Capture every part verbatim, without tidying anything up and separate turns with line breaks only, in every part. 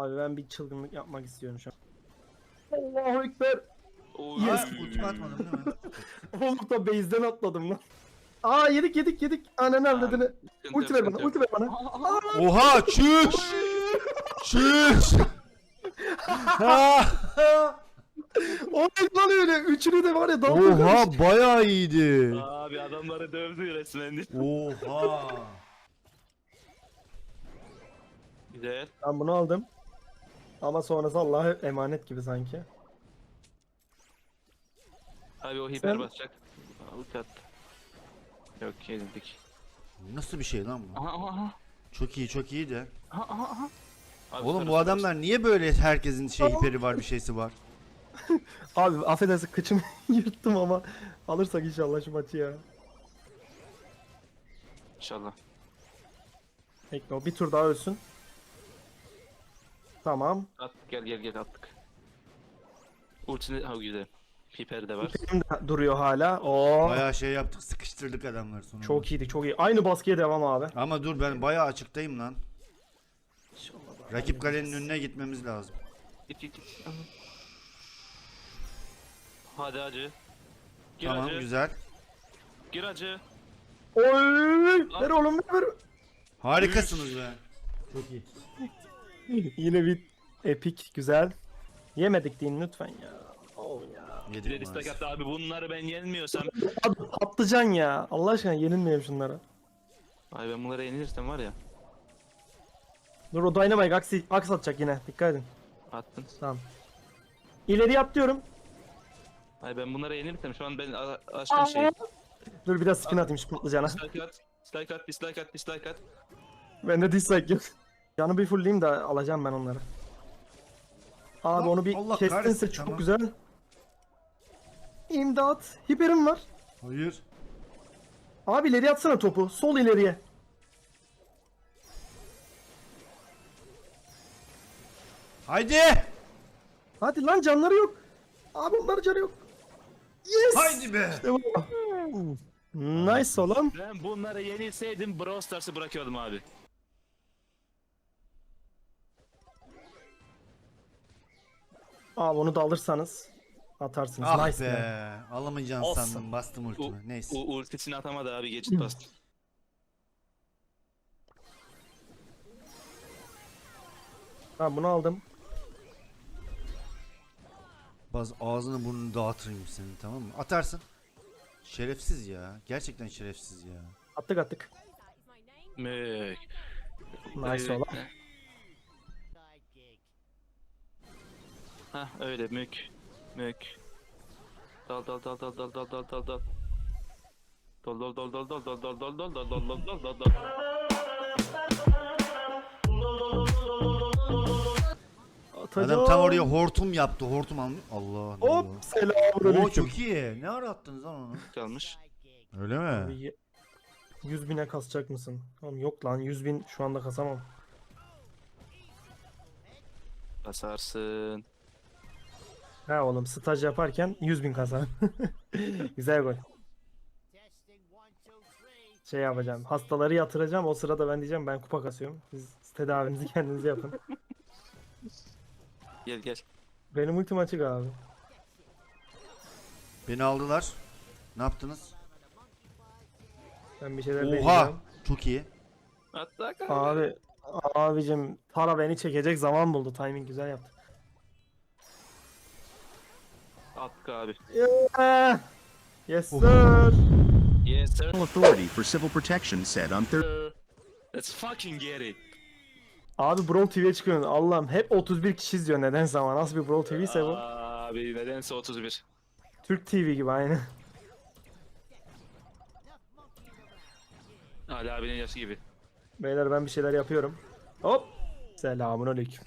Abi ben bir çılgınlık yapmak istiyorum şu an. Allahu Ekber. Yes.
Ultimi atmadım değil mi?
Oğlum da base'den atladım lan. Aa yedik yedik yedik. Ananı avradını. Ulti ver bana, ulti ver bana.
Oha çüş! Çüş!
O ne lan öyle? Üçünü de var ya dalga
Oha bayağı iyiydi.
Abi adamları dövdü resmen.
Oha.
Güzel.
Ben bunu aldım. Ama sonrası Allah'a emanet gibi sanki.
Abi o hiper
Sen-
basacak. Ulti attı. Yok yenildik.
Nasıl bir şey lan bu?
Aha aha aha.
Çok iyi çok iyi de.
Aha aha aha. Abi
Oğlum
süper,
bu
süper.
adamlar niye böyle herkesin şey hiperi var bir şeysi var?
Abi affedersin kıçımı yırttım ama alırsak inşallah şu maçı ya.
İnşallah.
Ekno bir tur daha ölsün. Tamam.
At gel gel gel attık. Ultini ha güzel. Hiper de var.
Benim de duruyor hala. Oo.
Bayağı şey yaptık sıkıştırdık adamları sonunda.
Çok iyiydi çok iyi. Aynı baskıya devam abi.
Ama dur ben bayağı açıktayım lan. Rakip kalenin önüne gitmemiz lazım.
Git git git. Hadi acı. Gir
Tamam
acı.
güzel.
Gir acı.
Oy! Ver oğlum ver.
Harikasınız be. Çok iyi.
Yine bir epik güzel. Yemedik deyin lütfen ya. Oh ya.
Bir
Yedik
de istek
maalesef.
attı abi bunları ben yenmiyorsam.
Abi patlıcan ya. Allah aşkına yenilmeyelim şunlara.
Ay ben bunlara yenilirsem var ya.
Dur o Dynamite aksi, aks atacak yine. Dikkat edin.
Attın.
Tamam. İleri atlıyorum.
Ay ben bunlara yenilirsem şu an ben a- aşkın şey.
Dur bir de spin atayım şu patlıcana.
Dislike at. Dislike at. Dislike at. Dislike at.
Ben de dislike yok. Canı bir fullleyeyim de alacağım ben onları. Abi
Allah-
onu bir
Allah
kestinse
kahretsin,
çok
tamam.
güzel. İmdat. Hiperim var.
Hayır.
Abi ileri atsana topu. Sol ileriye.
Haydi.
Hadi lan canları yok. Abi onların canı yok. Yes.
Haydi be.
İşte bu. Nice oğlum.
Ben bunlara yenilseydim Brawl Stars'ı bırakıyordum abi.
Abi onu da alırsanız atarsınız.
Ah
nice
be.
be.
Alamayacağını
Olsun.
sandım bastım
U,
ultimi. Neyse.
u, ultisini atamadı abi geçit bastı.
Ben bunu aldım.
Baz ağzını burnunu dağıtırım senin tamam mı? Atarsın. Şerefsiz ya. Gerçekten şerefsiz ya.
Attık attık.
Mük.
Nice oğlum.
Hah öyle mük. Mük. Dal dal dal dal dal dal dal dal dal. Dal dal dal dal dal dal dal dal dal dal dal dal dal dal.
Atacağım.
Adam tam oraya hortum yaptı. Hortum almış. Allah
Hop
Allah.
selamünaleyküm.
Oo çok iyi. Ne ara attınız lan onu?
Kalmış.
Öyle mi?
Abi, yüz bine kasacak mısın? Tamam yok lan yüz bin şu anda kasamam.
Basarsın.
Ha oğlum staj yaparken yüz bin kasa. Güzel gol. Şey yapacağım. Hastaları yatıracağım. O sırada ben diyeceğim ben kupa kasıyorum. Siz tedavinizi kendiniz yapın.
Gel gel.
Benim ultim açık abi.
Beni aldılar. Ne yaptınız?
Ben bir şeyler
Oha.
deneyeceğim.
Çok iyi.
Hatta abi.
Abi abicim para beni çekecek zaman buldu. Timing güzel yaptı.
Attık abi.
Yeah. Yes sir.
Yes sir.
Authority for Civil Protection said on Thursday.
Let's fucking get it.
Abi Brawl T V'ye çıkıyorsun. Allah'ım hep otuz bir kişi izliyor nedense ama nasıl bir Brawl T V ise bu.
Abi nedense otuz bir.
Türk T V gibi aynı.
Ali abinin yaşı gibi.
Beyler ben bir şeyler yapıyorum. Hop. Selamun aleyküm.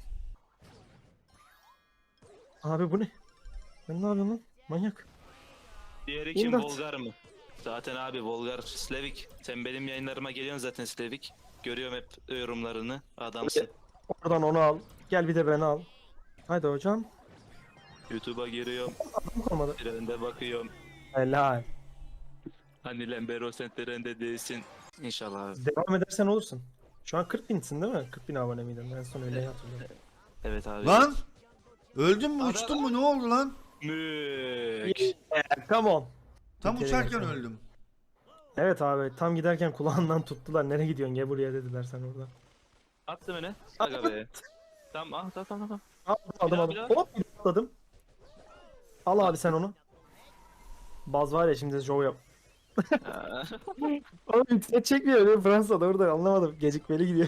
Abi bu ne? Ben ne yapıyorum lan? Manyak.
Diğeri kim?
İmdat.
Volgar mı? Zaten abi Volgar Slavik. Sen benim yayınlarıma geliyorsun zaten Slavik. Görüyorum hep yorumlarını. Adamsın.
Oradan onu al. Gel bir de beni al. Haydi hocam.
YouTube'a giriyorum.
Adam kalmadı.
Trende bakıyorum.
Helal.
Hani Lembero sentlerinde değilsin. İnşallah abi.
Devam edersen olursun. Şu an kırk binsin değil mi? kırk bin abone miydin? En son öyle hatırlıyorum.
Evet abi.
Lan! Öldün mü
Ara-
uçtun mu ne oldu lan?
Mük.
Yeah, come on.
Tam
Bir kere
uçarken
yapsana.
öldüm.
Evet abi tam giderken kulağından tuttular. Nereye gidiyorsun? Gel buraya dediler sen orada.
Attı beni. Aga be. Tamam ah tamam tamam.
Aldım
daha,
aldım.
bir daha.
Hop atladım. Al abi sen onu. Baz var ya şimdi show yap.
tamam.
Oğlum internet çekmiyor öyle Fransa'da orada anlamadım. Gecikmeli gidiyor.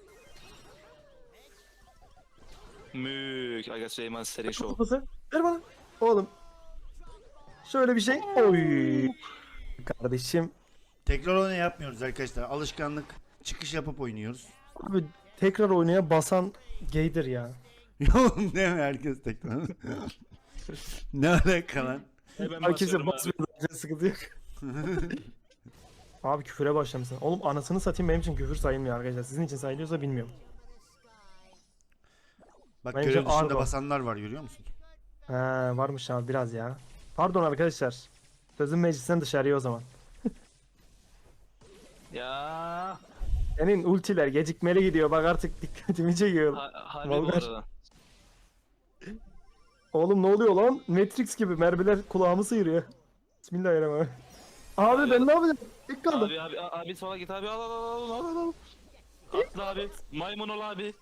Mük. Aga Süleyman Serin Show.
Kafası. Ver bana. Oğlum. Şöyle bir şey. Oy. Kardeşim.
Tekrar oyunu yapmıyoruz arkadaşlar. Alışkanlık. Çıkış yapıp oynuyoruz.
Abi tekrar oynaya basan gaydir ya.
Oğlum ne mi herkes tekrar? Ne alaka lan?
Hemen
Abi kimse
basıyorum abi.
basmıyor zaten sıkıntı yok. Abi küfüre başlamışsın. Oğlum anasını satayım benim için küfür sayılmıyor arkadaşlar. Sizin için sayılıyorsa bilmiyorum.
Bak
Bence
görev dışında
argo.
basanlar var görüyor musun?
He varmış abi biraz ya. Pardon arkadaşlar. Sözün meclisten dışarıya o zaman.
Ya.
Senin ultiler gecikmeli gidiyor bak artık dikkatimi çekiyor.
Ha, harbi bu
Volgar.
arada.
Oğlum ne oluyor lan? Matrix gibi mermiler kulağımı sıyırıyor. Bismillahirrahmanirrahim. Abi
Abi
ben
adam-
ne yapacağım? İlk kaldım.
Abi abi abi sola git abi al al al al al al. Atla abi. Maymun ol abi.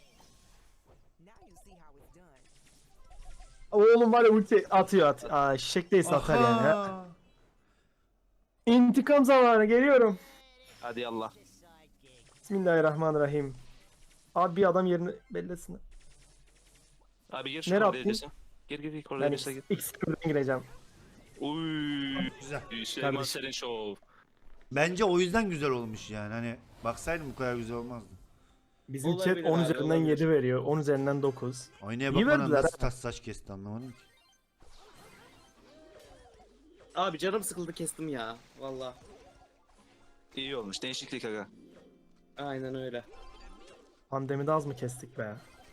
Oğlum var ya ulti atıyor at. Aa şişek değilse atar yani. ha.
Aha!
İntikam zamanı geliyorum.
Hadi Allah.
Bismillahirrahmanirrahim. Abi bir adam yerini belli etsin.
Abi gir şu
Nereye
koridora
attın?
girsin. Gir gir gir
Ben
koridora girse gir.
X kırdan gireceğim.
Uy.
Güzel.
Süleyman
Kardeşim.
Serin Show.
Bence o yüzden güzel olmuş yani. Hani baksaydım bu kadar güzel olmazdı.
Bizim
Olabilir
chat on
abi,
üzerinden
olabilir.
yedi veriyor. on üzerinden dokuz.
Oynaya
İyi
bak bana
verdiler
nasıl
ha.
tas saç kesti anlamadım ki.
Abi canım sıkıldı kestim ya. Valla.
İyi olmuş. Değişiklik aga.
Aynen öyle.
Pandemide az mı kestik be?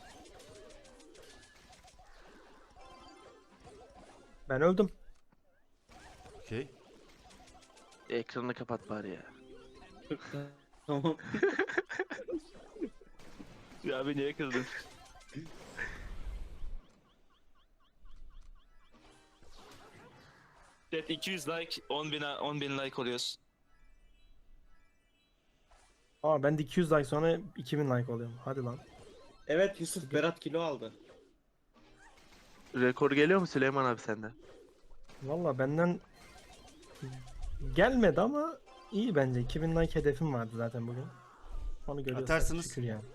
Ben öldüm.
Okey.
Ekranını kapat bari ya.
Tamam.
Ya abi niye kızdın? Chat iki yüz like, on bin, on bin like oluyoruz.
Aa ben de iki yüz like sonra iki bin like oluyorum. Hadi lan.
Evet Yusuf Berat kilo aldı.
Rekor geliyor mu Süleyman abi sende?
Valla benden gelmedi ama iyi bence. iki bin like hedefim vardı zaten bugün. Onu görüyorsak
Atarsınız.
şükür yani.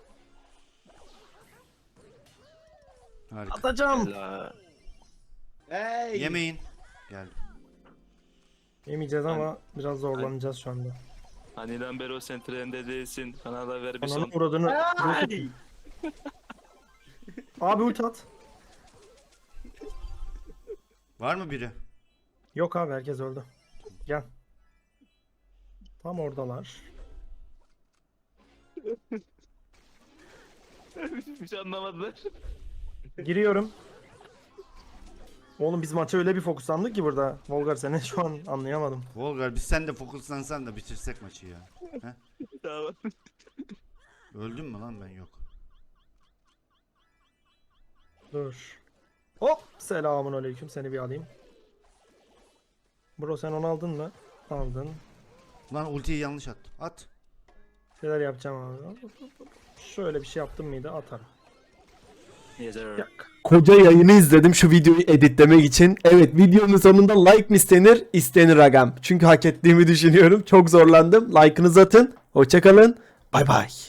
Harika.
Atacağım.
Helal.
Hey!
Yemeyin. Geldim.
Yemeyeceğiz ama biraz zorlanacağız şu anda.
Haniden beri o sen trende değilsin. Kanala ver bir
Ananın
son.
uğradığını... Abi ulti at.
Var mı biri?
Yok abi herkes öldü. Gel. Tam oradalar.
Hiçbir şey anlamadılar.
Giriyorum. Oğlum biz maça öyle bir fokuslandık ki burada. Volgar seni şu an anlayamadım.
Volgar biz sen de fokuslansan da bitirsek maçı ya.
Tamam.
Öldün mü lan ben yok.
Dur. Hop! Selamun aleyküm. Seni bir alayım. Bro sen onu aldın mı? Aldın.
Lan ultiyi yanlış attım. At.
Şeyler yapacağım abi. Şöyle bir şey yaptım mıydı atarım.
Yes sir.
Koca yayını izledim şu videoyu editlemek için. Evet videonun sonunda like mi istenir? İstenir agam. Çünkü hak ettiğimi düşünüyorum. Çok zorlandım. Like'ınızı atın. Hoşçakalın. Bay bay.